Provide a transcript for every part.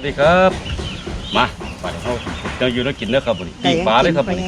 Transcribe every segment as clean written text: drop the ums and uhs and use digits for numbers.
สวัสดีครับมาไปเขาจะอยู่แล้วกินเนื้อครับวันนี้ปิ้งปลาเลยครับวันนี้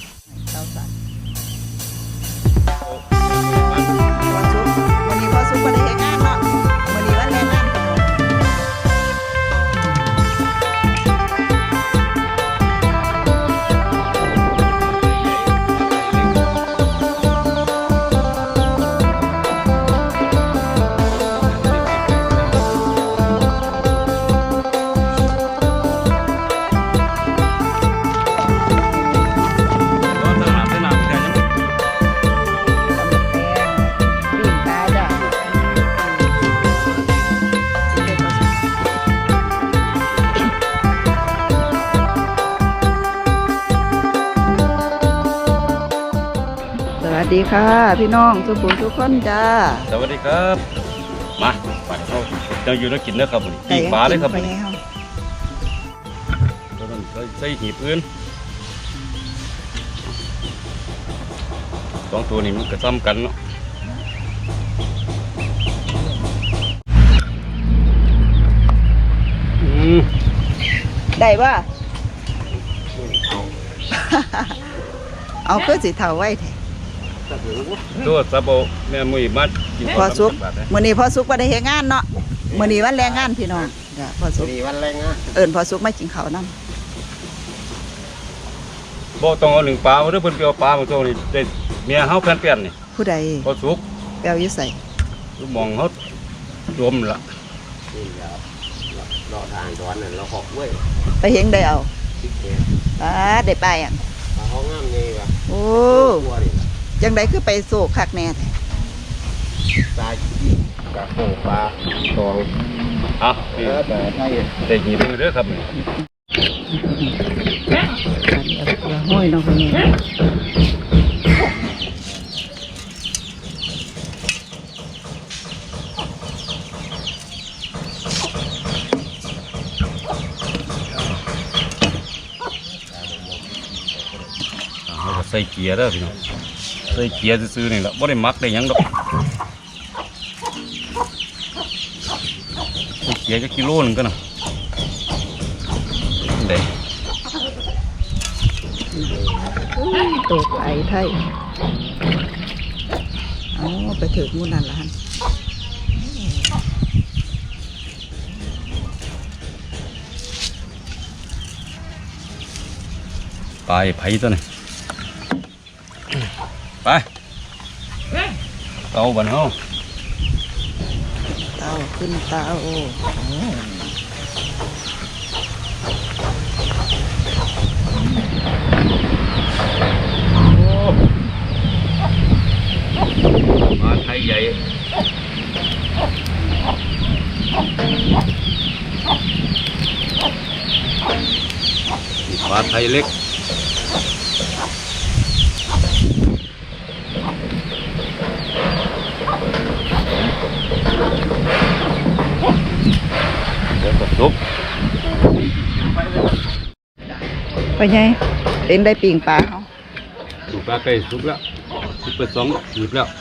วันนี้พอซุปมาได้งานเนาะวันนี้วันแรงงานสวัสดีค่ะพี่น้องทุกคนทุกคนจ้าสวัสดีครับมาไปเขาจะอยู่แล้วกินเนื้อครับวันนี้ปิ้งปลาเลยครับวันนี้ต้องใส่หีบอื่นสองตัวนี้มันก็ซ้ำกันเนาะได้ป่ะเอาเพื่อสีเทาไว้ตัวซาโบแม่มุ้ยมัดกินพอซุกมื้อนี้พอซุกมาได้เฮ็ดงานเนาะมื้อนี้วันแรงงานพี่น้องจ้ะพอซุกนี่วันแรงงานพอซุกมากินข้าวนำบ่ต้องเอาหนึ่งปลาเด้อเพิ่นไปเอาปลามาตัวนี้ได้เมียเฮาแผ่นเปลี่ยนนี่ผู้ใดพอซุกแปลวอยู่ใส่มองเฮารวมละนี่ครับรอทางร้อนนั่นเราหอกเว้ยไปเฮ็ดได้เอาได้ไปอ่ะปลาห้องงามนี่ว่ะโอ้จังไดคือไปโศกคักแน่แท้ปลาขี้ปลาโขปลาตองนี่ปลาไทยได้หีบเด้อครับห้อยน้องคนนี้ใส่เกียร์เด้อพี่น้องใส่เกียร์ซื้อๆนี่แหละไม่ได้มักได้ยังดอกใส่เกียร์จะกิโลนึงก็นะเด็กตกไอ้ไทยเอาไปถือมูนันละฮันไปไผ่ตัวนี้ไปเตาบันเฮาเตาขึ้นเตาปลาไทยใหญ่ปลาไทยเล็กซุปไปไงเอ็นได้ปิ่งปลาเขาดูปลาไก่ซุปแล้วซุปเปิดสองหยิบแล้ว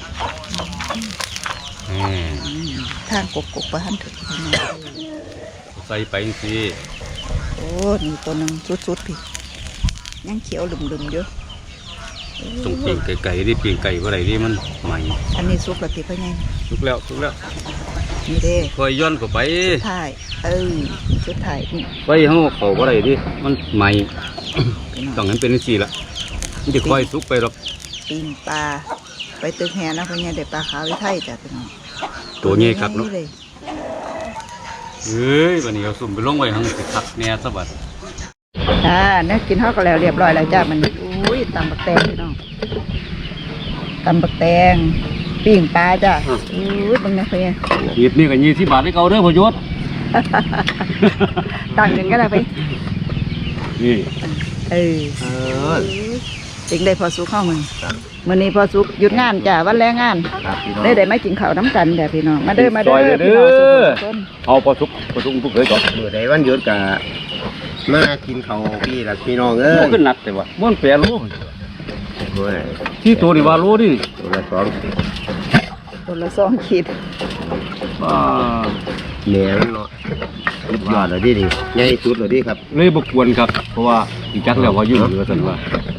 ทางกบๆไปหันถึงใส่ไปสิโอ้นี่ตัวนึงสุดๆพี่ยังเขียวลุ่มๆเยอะต้องปิ่งไก่ดิปิ่งไก่อะไรดิมันใหม่อันนี้ซุปแล้วติไปไงซุปแล้วนี่เด้คอยย้อนเข้าไปสุดท้ายสุดท้ายนี่ไปห้องเขาอะไรดิมันใหม่ต้องงั้นเป็นสี่ละมันจะคอยซุกไปหรอกปิ่งปลาไปตึกแห่นะพญาเด็กปลาขาววิไทยจ้ะพี่น้องตัวใหญ่ครับเนาะเฮ้ยวันนี้เอาสุ่มไปลงไว้ทั้งสิคักแน่สบัดเนี่ยกินข้าวก็แล้วเรียบร้อยแล้วจ้ะมันอุ้ยตำบักแตงพี่น้องตำบักแตงปิ้งปลาจ้ะอุ้ยบังนะเพื่อนหยิบนี่กับ20 บาทให้เขาเด้อพยศต่างกันก็ได้ไปนี่จริงได้พอสุกข้าวมื้อนี้พอสุกหยุดงานจ้ะวันแรงงานได้ไม่กินข้าวน้ำกันแต่พี่น้องมาเด้อพี่น้องเอาพอสุกทุกเลยก่อนเมื่อใดวันหยุดกะมากินข้าวพี่น้องขึ้นหนักแต่ว่าม้วนแปรรูปที่ตัวนี้ว่ารู้ดิตัวละ2 ขีดเหนียวเนาะสุดยอดเลยดิใหญ่สุดเลยดิครับเลยบกวนครับเพราะว่าอีจักแล้วว่าอยู่เหลือสันว่า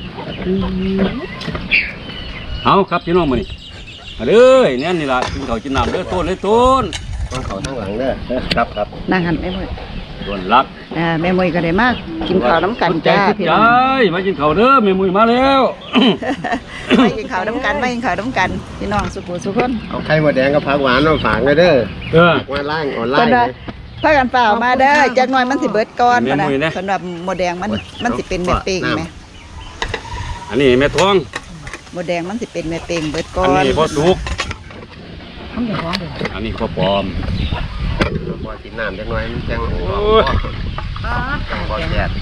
เอาครับพี่น้องมานี่มาเด้อเนี่ยนี่ล่ะกินข้าวกินน้ำเด้อต้นเลยต้นต้องเขาทั้งหลังเด้อครับครับนั่งหันแม่มวยต้นรักแม่มวยก็ได้มากกินข้าวน้ำกันจ้าพี่น้องมากินข้าวเด้อแม่มุ้ยมาแล้วไม่กินข้าวน้ำกันไม่กินข้าวน้ำกันพี่น้องสุขุสุขคนเอาไข่มดแดงกับผักหวานมาฝากเลยเด้อเออฝากมาล่างออนไลเพิ่นน์ว่าพากันเปล่ามาเด้อจักหน่อยมันสิเบิดก่อนแม่ปะนะมวยนะสำหรับหมดแดงมันสิเป็นเม็ดเป้งไหมอันนี้แม่ทองหมดแดงมันสิเป็นเม็ดเป้งเบิดก่ออันนนี้พ่อสุกทำอย่างร้องเลยอันนี้พ่อปลอมพอกินน้ำจังหน่อยมันจังโอ้ยจังบ่แซ่บ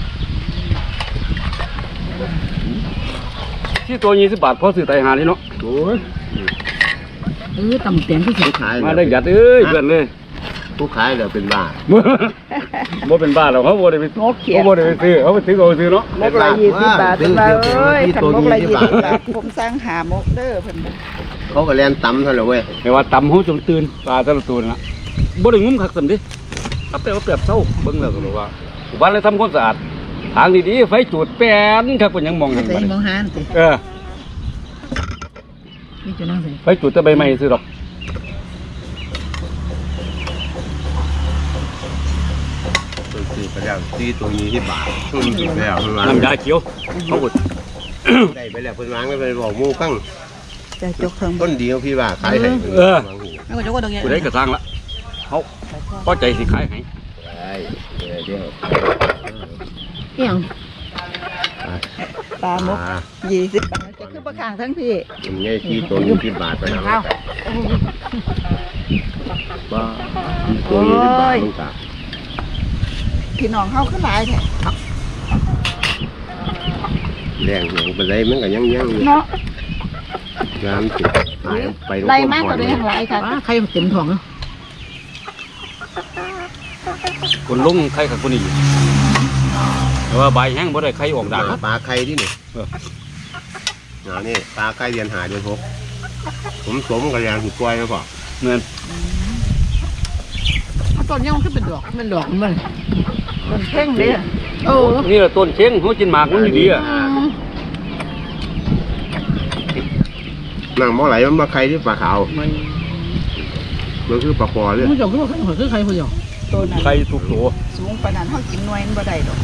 ที่ตัว20 บาทพอซื้อไตหานี่เนาะโอ้ยตำเตียงที่สุดขายมาได้หยัดเอ้ยเพื่อนเลยผู้ขายเดี๋ยวเป็นบ้าบ่เป็นบ้าหรอกเขาบ่ได้ไปงกเขียเขาบ่ได้ไปซื้อเขาไปซื้อเอาซื้อเนาะมกละ20 บาทเป็นว่าเอ้ยขันมกละ20 บาทผมสร้างหามกเด้อเพิ่นน่ะเขาก็แล่นตำเท่านั้นเว้ยแต่ว่าตำเฮาจนตื่นปลาแต่ละตัวน่ะบ่ได้งุ้มคักซั่นดิเอาแต่ว่าเปรียบเศร้าเบิ่งแล้วก็รู้ว่าวันเลยทำความสะอาดทางดีๆไฟจูดแป้นครับเพิ่นยังมองเห็นใส่บ่มองหานสิเออนี่จะนั่งใส่ไฟจูดแต่ใบไม้ซื้อดอกตัวซื้อไปแล้วซื้อตัว20 บาทกินไปแล้วเพิ่นวางน้ำยาเขียวเขาก็ได้ไปแล้วเพิ่นวางแล้วไปบอกหมู่ฟังจะจกเทิงต้นเดียวพี่ว่าขายให้แล้วก็จกก็ตรงนี้ผู้ใดก็สร้างละเขาพอใจสิขายให้ได้เดี๋ยวเกี่ยงปลาหมกอ่า 20 บาทจะคือประคางทั้งพี่มันง่ายที่ตัว20 บาทไปแล้วว่าตัว20 บาทมึงจ้ะพี่น้องเฮาคือหลายแท้แรงหยังไปเลยมันก็ยังอยู่เนาะน้ำติดหายไปไล่มากกว่าเดิมหลายค่ะใครเต็มท้องเนาะคนลงไข่กับคนนี้แต่ว่าใบแห้งบ่ได้ไข่ออกด่างปลาไข่ที่นี่เออนี่ปลาไข่เดือนหาเดือน6สมกับแรงถูกปล่อยแล้วป่ะเงินต้นยังมันคือเป็นดอกมันต้นเพ่งเด้อนี่แหละต้นเชียงเขากินหมากมันดีอ่ะนั่งบ่ไหลมันมาไข่ที่ปลาขาวมันคือปลาคอเลยผู้ชมคือว่าคือใครผู้ชมต้นนั้นไข่ทุกตัวสูงปานนั้นเฮากินหน่วยมันบ่ได้ดอก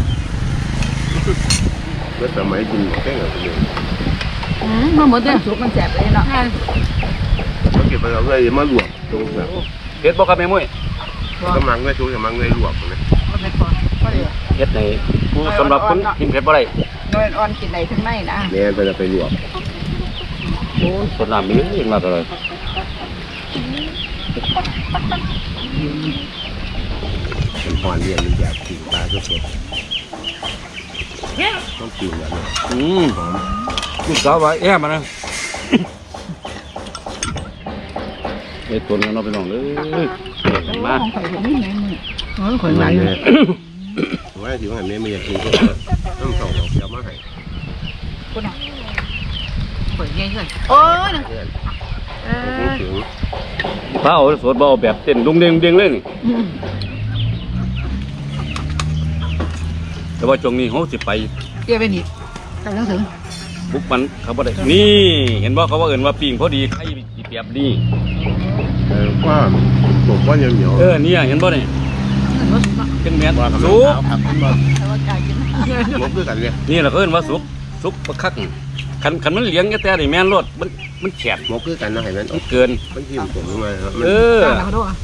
เมื่อสมัยกินแค่ไหนเนี่ยมาหมดเลยสุกมันแสบเลยเนาะเขาเก็บไปเราเลยมาลวกตรงแบบเฮ็ดบ่ครับแม่มุ้ยกำลังเลยชูกำลังเลยลวกเลยมันเป็นพอเด้อเฮ็ดในผู้สำหรับคนกินเผ็ดบ่ได้หน่วยอ่อนกินได้ทั้งในนะเนี่ยไปจะไปลวกโอ้ส่วนน้ำมีเองมาตลอดเป็นพรเรียนมันอยากกินปลาสดๆต้องกินแบบนี้ หอมลูกสาวว่าแย่มานะไอ้ตัวนั้นเราไปลองเลยมาของข่อยบ่มีไหนมึงอ๋อคนไหนเลยว่าถือว่าแม่ไม่อยากกินก็ต้องส่งเอาเกี๊ยวมาให้คุณน่ะคนใหญ่เลยโอ้ยเพื่อนเอถึงถ้าเอาสดบ่เอาแบบเต้นดุงเด้งเด้งเลยนี่แต่ว่าช่วงนี้เขาสิไปเกี่ยวไปนี่กำลังถึงบุกมันเขาบ่ได้นี่เห็นบ่เขาว่าเอิ้นว่าปิ้งพอดีไข่สิเปรียบดีว่าผมว่าเหนียวเนี่ยเห็นบ่นี่จังแม่นว่าสุกครับผมว่าแต่ว่ากายกินผมคือกันเลยนี่ล่ะเขาเอิ้นว่าสุกบักคักคันมันเลี้ยงแต่นี่แม่นรสมันแฉบหมกคือกันนะเห็นมันมันเกินมันยิ้มผมลงมาครับเออตามเขาด้วย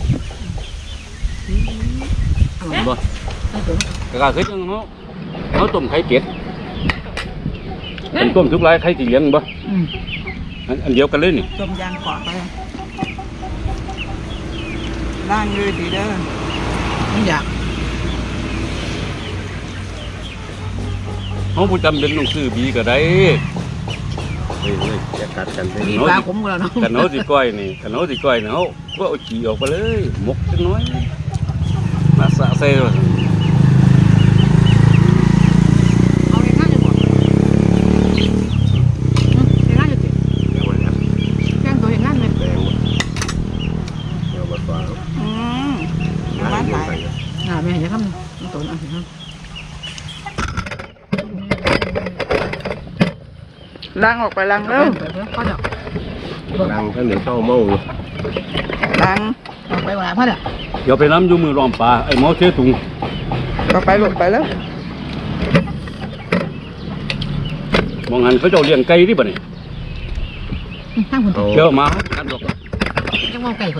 เห็นบ่ก็คือจังเขาต้มไข่เป็ดเป็นต้มทุกหลายไข่สิเลี้ยงบ่อันเดียวกันเลยนี่ต้มยางขวาไปล้างเลยดีเด้อไม่อยากเขาผู้จำเป็นต้องซื้อบีก็ได้เฮ้ยจะกัดกันไปมีปลาขมกันแล้วเนาะกันเขาสิก้อยนี่เขาก็เอาขี้ออกไปเลยหมกจักหน้อยมาสะใส่เลยเอาไปข้างจะหมดไปข้างจะติดแกงตัวอย่างนั้นเลยแดงเดี๋ยวมาต่อน้ำมันไหลน้ล้างออกไปล้างแล้วพ่อเดี๋ยวดังท่านเดี๋ยวเศร้าเมาล้างเอาไปว่าพ่อเดี๋ยวเดี๋ยวไปน้ำอยู่มือรอมปลาไอ้หมอเสียถุงก็ไปหลุดไปแล้วมองหันเขาเจ้าเลี้ยงไก่ที่บ่นี่ทั้งคนเชื่อมาอันดอกยังมองไก่คน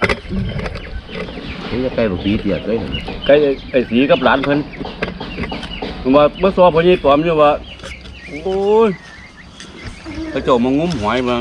นี่จะใกล้แบบปีเตียดเลยไก่ไอ้สีกับหลานเพิ่นผมว่าเมื่อซ้อพอยี่ตอมอยู่ว่าโอ้ยเขาเจ้ามางุ้มหอยมา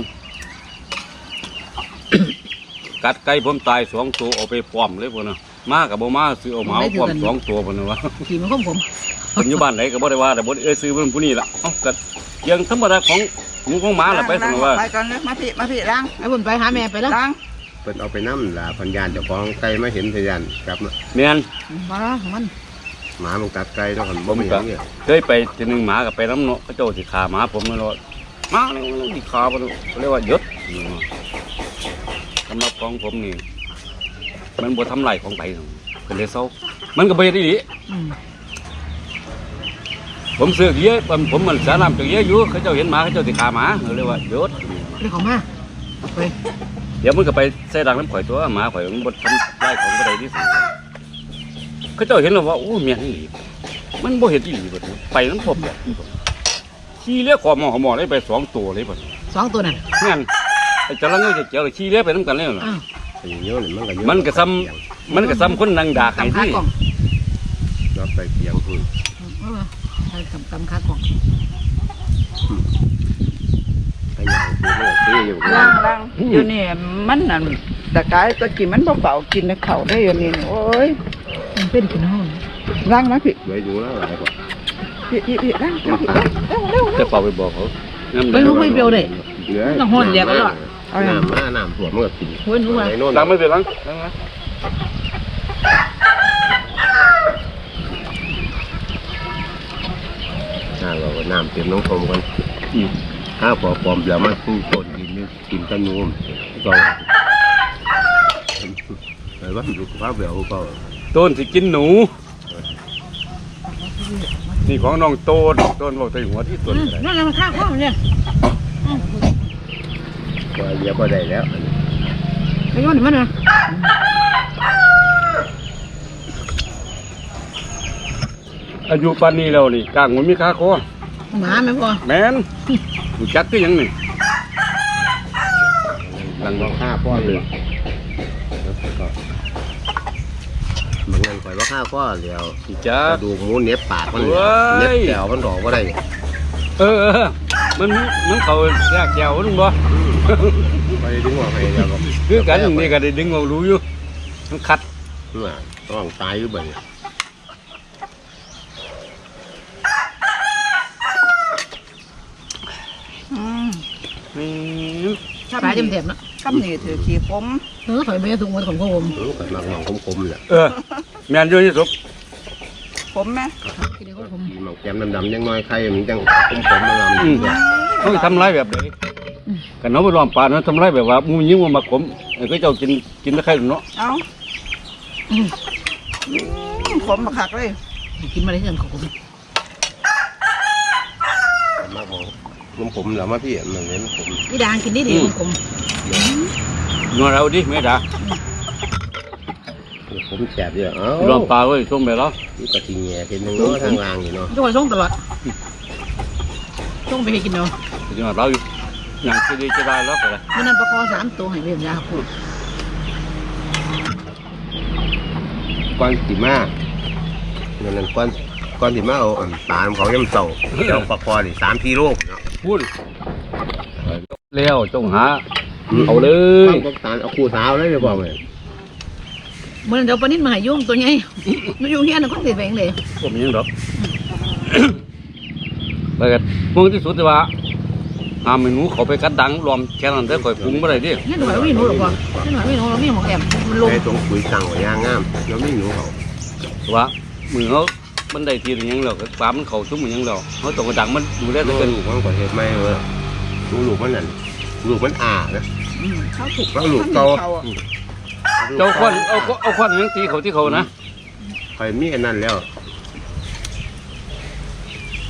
กัดไก่ผมตาย2 ตัวเอาไปป้อมเลยพวกน่ะมากับบ่มาซื้อเอาหมาป้อม2 ตัวพวกน่ะวะขี่มันของผมผมอยู่บ้านไหนก็บ่ได้ว่าแต่บ่ได้ซื้อเพิ่นผู้นี้ล่ะเอ้าก็ยังธรรมดาของหมูของหมาล่ะไปซั่นว่าไปก่อนเลยมาพี่ล้างไอ้บุญไปหาแม่ไปแล้วล้างเพิ่นเอาไปน้ำล่ะพันยานเจ้าของไก่มาเห็นพยานกลับมาแม่นมาแล้วมันหมามันกัดไก่แล้วกันบ่มีหยังเนี่ยเคยไปทีหนึงหมาก็ไปน้ำเนาะเขาเจ้าสิฆ่าหมาผมนั่นเนาะมาแล้วมันสิฆ่าบ่เนาะเขาเรียกว่าหยุดสำหรับของผมนี่มันบ่ทำลายของไผก็เลยเซามันก็บ่เฮ็ดอีหลีผมซื้อเยอะผมมันสาน้ำจักเยอะอยู่เขาเจ้าเห็นหมาเขาเจ้าสิฆ่าหมาเขาเรียกว่าหยุดเรื่องของมาไปเดี๋ยวมันก็ไปใส่ดังน้ำข่อยตัวหมาข่อยมันบดทำได้ของบ่ได้ที่สุดเขาเจ้าเห็นแล้วว่าโอ้เมียนี่หลีมันบ่เห็นอีหลีบ่ไปน้ำผมแบบขี้เลี้ยขอหมอได้ไป2 ตัวเลยบ่ 2 ตัวนั่นงั้นไอ้จระเข้เจียวขี้เลี้ยไปน้ำกันเลยน่ะอ้าวไอ้เงี้ยนี่มันก็เยอะมันก็ซ้ำคนนั่งด่าใครตำขาที่กล่องเราไปเพียงพุ่นตำขากล่องไอ้ยังคือมันก็อยู่ล้างอยู่นี่มันนั่นตะกายตะกี้มันเบาๆกินข้าวได้อยู่นี่โอ้ยมันเป็นกินห้องล้างมาพี่ไว้ดูแล้วหลายกว่าพี่ล้างเร็วจะเป่าไปบอกเขาน้ำไปรู้ไม่เปรี้ยวเลยเหลือต้องห่อนเดียวกันหรอน้ำมาน้ำถั่วมันก็กินเฮ้ยรู้ว่าไอ้โน่นล้างไม่เป็นล้างนะเราก็น้ำเต็มน้องคมกันถ้าพอปลอมแล้วมันสู้ต้นกินนี่กินกันนุ่มก็ไอ้ว่าดูภาพแบบก็ต้นสิกินหนูนี่ของน้องโต้นบอกใส่หัวที่ต้นอะไรนั่นมันข้างห้องเนี่ยก็เยอะก็ได้แล้วไอ้ย้อนมันนะอายุปานนี้แล้วนี่กลางมันมีค่าคอหมาไม่พอแม่นรู้จักคือหยังนี่หลังว่าฆ่าพ่อเลยบางงานคอยว่าฆ่าพ่อเดียวรู้จักดูหมูเน็บปากมันเว้ยเน็บแถวมันดอกว่าได้มันเขาแยกแก้วนึงบ่ไปดึงว่าไปเดียวก็คือกันนี่ก็ได้ดึงเอารู้อยู่มันขัดต้องตายอยู่บ่เนี่ยนี่ปลาเต็มๆนะกำนี่ถือขี้ผมถอยไปถุงมันของผมรู้กันมักมองคมๆแหละแม่นอยู่ที่สุดผมไหมกินได้ของผมมองแก้มดำๆยังน้อยใครมันจังคมๆมันลำเนี่ยเขาทำร้ายแบบไหนกันเขาไปล้อมป่านั้นทำร้ายแบบว่ามูยิ้มมาขมก็เจ้ากินได้ใครเนาะเอาผมมาคักเลยกินมาได้เงินของผมมักมองผมๆแล้วมาพี่มันเน้นผมนี่ด่างกินได้ดีของผมนอนเราดิไม่ด่าผมแฉบเยอะเอ้าล้อมป่าไว้ช่วงไปแล้วนี่ก็ทีแง่เป็นนึงเนาะทางล่างอยู่เนาะทุกคนส่งตลอดส่งไปให้กินเนาะจะนอนเราอยู่อย่างที่ดีจะได้แล้วก็ได้เมื่อนั้นประคอ3 ตัวให้เรียนยาพูดก้อนติมานั่นก้อนติมาเอาปลาเขาย่ำเต่าเจ้าปลาคอนี่3-4 โลเนาะพูดแล้วจงหาเอาเลยต้องตาเอาคู่สาวเลยจะบอกเลยเมื่อนั้นเดี๋ยวปนิดมาให้ยุ่งตัวใหญ่ไม่ยุ่งเฮียนะคนติดแบงเลยผมยังดอกไปกันมึงที่สุดว่าหาเมนูเขาไปกัดดังรวมแค่นั้นได้ข่อยปรุงไม่ได้ดินี่หน่อยวิ่งหนูหรอกวะนี่หน่อยวิ่งหนูเราวิ่งของแอมมันลงไอ้ตรงปุ๋ยสั่งไว้ย่างงามแล้วไม่หนูเขาว่ามือเขามันได้ทีหรือยังแล้วปลามันเขาชุ่มมันยังแล้วเขาตกกระดังมันดูได้ลูแต่กเกินมันก่อเหตุไม่เลยลูกมันนั่นลูกมันนะเขาถูกแล้วลูกเก่าเจ้าควันเอาควันยังตีเขาที่เขานะคอยมีอันนั้นแล้ว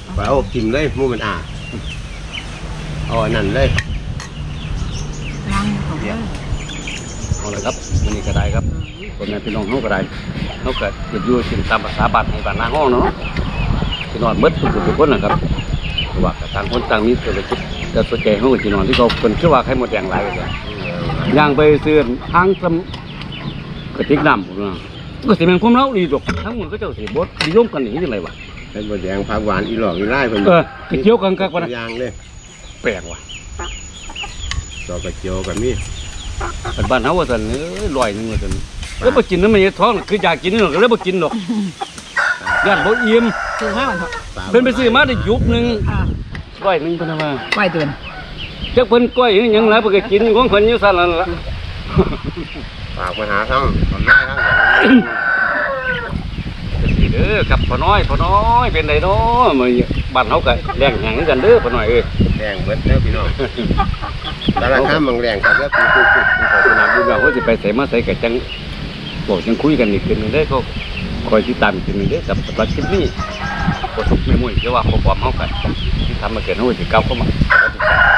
ไปเอากินเลยหมูมันเอาอันนั้นเลยล้างของเด้อเอาเลยครับวันนี้ก็ได้ครับคนแม่พี่น้องเขาก็ได้เขาก็จะอยู่กินตามภาษาบ้านให้บ้านนาห้องเนาะที่นอนมืดทุกคนนะครับว่าต่างคนต่างมีเศรษฐกิจแต่ส่วนใหญ่เขาก็ที่นอนที่เขาเป็นชื่อว่าไข่หมดแดงหลายเลยย่างไปซื้อทางสกระติกน้ำผมนะก็สิเป็นความเล่าดีดอกทั้งหมดก็เจ้าสิบดนิยมกันอย่างนี้ยังไงวะเป็นบะแดงผักหวานอีหลอกอีไล่เพิ่นกระเจียวกันกันวะนะยางเลยแปลกว่ะดอกกระเจียวกับมีเป็นบ้านเขาว่าสันลอยนึงว่าสันแล้วบ่กินน้ำมันท้องคืออยากกินนี่หรอกแล้วบ่กินหรอกย่านบ่อิ่มซื้อมาวันเถอะเพิ่นไปซื้อมาได้ยุบหนึงอ่าร้อยหนึงเพิ่นว่าไหวเตือนจักเพิ่นก้อยหรือหยังหลายเพิ่นก็กินของเพิ่นอยู่ซั่นนั่นล่ะฝากมาหาทั้งทำได้ทั้งอย่างสิเด้อครับพ่อน้อยเป็นไดเนาะมื้อนี้บ้านเฮาก็แรงแหงกันเด้อพ่อน้อยเอ้ยแดงเบิดเด้อพี่น้องแต่ละข้ามบางแรงครับแล้วปุ๊บขอบคุณนะบุญว่าเขาสิไปใส่มาใส่ก็จังบอกจังคุยกันอีกทีนึงเด้อเขาคอยติดตามอีกทีนึงเด้อกับสำหรับคลิปนี้บ่ทุกข์ไม่มุ่ยคือว่าพอความเฮากันที่ทำมาเกิดเฮาสิก้าวเข้ามา